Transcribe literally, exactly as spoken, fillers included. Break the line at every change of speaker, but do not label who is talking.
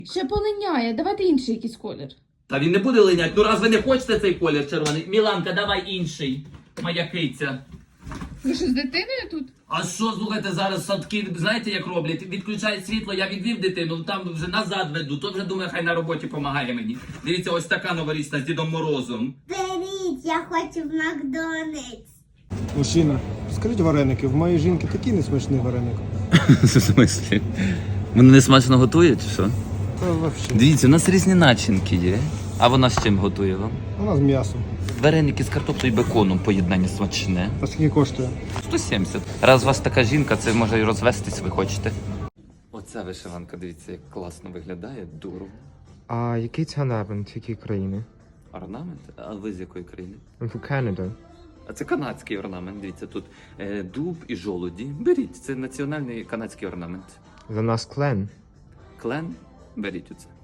Ще полиняє, давайте інший якийсь колір.
Та він не буде линять. Ну раз ви не хочете цей колір червоний. Міланка, давай інший. Моя киця.
Ви що, з дитиною тут?
А що, слухайте, зараз садки, знаєте, як роблять? Відключають світло, я відвів дитину, там вже назад веду, то вже думаю, хай на роботі допомагає мені. Дивіться, ось така новорічна з Дідом Морозом.
Беріть, я хочу в Макдональдс.
Мужчина, скажіть вареники, в моєї жінки такий несмачний вареник.
В смислі? Вони не смачно готують, чи що?
Та взагалі.
Дивіться, у нас різні начинки є. А вона з чим готує вам?
У нас м'ясо.
Вареники з картоплею і беконом поєднання смачне.
А скільки коштує?
сто сімдесят. Раз у вас така жінка, це може і розвестись, ви хочете. Оця вишиванка, дивіться, як класно виглядає, дуру.
А який це орнамент, якої країни?
Орнамент? А ви з якої країни?
Канада.
А це канадський орнамент. Дивіться, тут е, дуб і жолуді. Беріть, це національний канадський орнамент.
За нас клен.
Клен? Беріть оце.